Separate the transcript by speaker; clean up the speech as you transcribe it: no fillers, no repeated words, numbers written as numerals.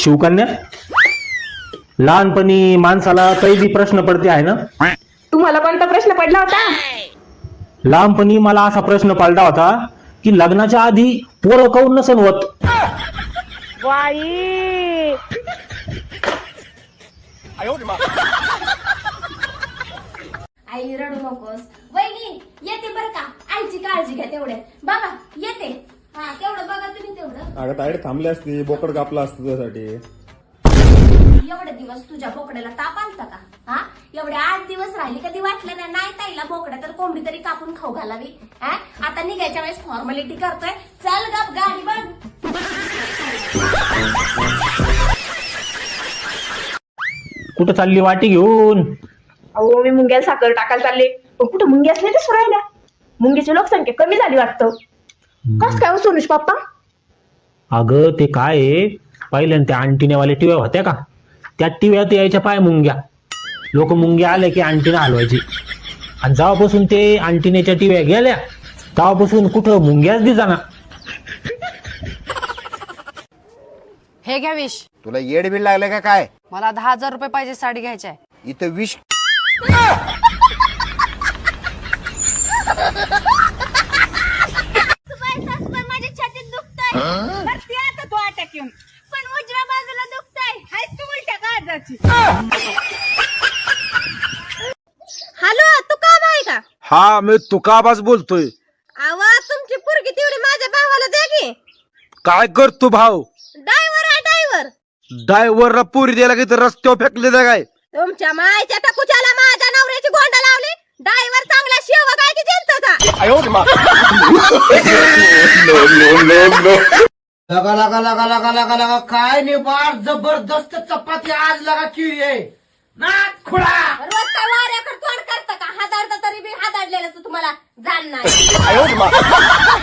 Speaker 1: शिवकन्या, लहानपणी माणसाला कैदी प्रश्न पडते आहे ना?
Speaker 2: तुम्हाला कोणता प्रश्न पडला होता?
Speaker 1: लहानपणी मला असा प्रश्न पडला होता की लग्नाच्या आधी पोरं काऊन नसन होत.
Speaker 3: आई रडू नकोस. वहिनी येते बरं का, आईची काळजी घ्या तेवढे. बघा येते. हा तेवढं बघा तुम्ही तेवढं.
Speaker 4: अगं ताईड थांबली असती, बोकड कापला असतं तुझ्यासाठी.
Speaker 3: एवढे दिवस तुझ्या बोकड्याला ताप आलता का? हा एवढे 8 दिवस राहिली, कधी वाटलं नाही ताईला बोकड्या तर कोंबडी तरी कापून खाऊ घालावी. हा आता निघायच्या वेळेस फॉर्मॅलिटी करतोय. चल गप गाडी बघ.
Speaker 1: कुठं चालली वाटी घेऊन?
Speaker 2: अहो मी मुंग्याला साखर टाकायला चालले, पण कुठं मुंग्याच नाही दिसू राहिल्या. मुंग्याची लोकसंख्या कमी झाली वाटतं. कस काय हो सोनुष पप्पा?
Speaker 1: अगं ते काय आहे, पहिल्यांदा त्या अंटिनेवाल्या टिव्या होत्या का, त्या टिव्यात यायच्या पाय मुंग्या. लोक मुंग्या आले की अंटिना हलवायची, आणि जेव्हापासून ते अंटिनेच्या टिव्या गेल्या तेव्हापासून कुठं मुंग्याच दिसाना.
Speaker 5: हे घ्या विश.
Speaker 6: तुला येड बिल लागले का काय?
Speaker 5: मला 10,000 रुपये पाहिजे, साडी घ्यायची आहे.
Speaker 6: इथं विष
Speaker 3: माझ्या छातीत दुखतंय. आता तू अटॅक येऊन, पण उजव्या बाजूला दुखतंय. हाय तू उलट्या काळजाची. हॅलो, तू काम आहे का?
Speaker 7: हा, मी तुकाबाज बोलतोय.
Speaker 3: आवाज तुमची पोरगी तेवढी माझ्या भावाला द्या की.
Speaker 7: काय करतो भाऊ?
Speaker 3: ड्रायव्हर आहे ड्रायव्हर.
Speaker 7: ड्रायव्हरला पुरी द्यायला की रस्त्यावर फेकले त्या काय?
Speaker 3: तुमच्या मायच्या टकुच्याला माझ्या नवऱ्याची गोंडा लावली. ड्रायव्हर चांगला शेवग आहे की जनतेचा.
Speaker 8: लगा लगा लगा लगा लगा लगा काय निबार जबरदस्त चपाती आज लगा किरी आहे नाच खुळा.
Speaker 3: रोज काय वाऱ्याकडे तोंड करतं का? हादाडता तरी बी हादाडलेलं तुम्हाला जाण नाही.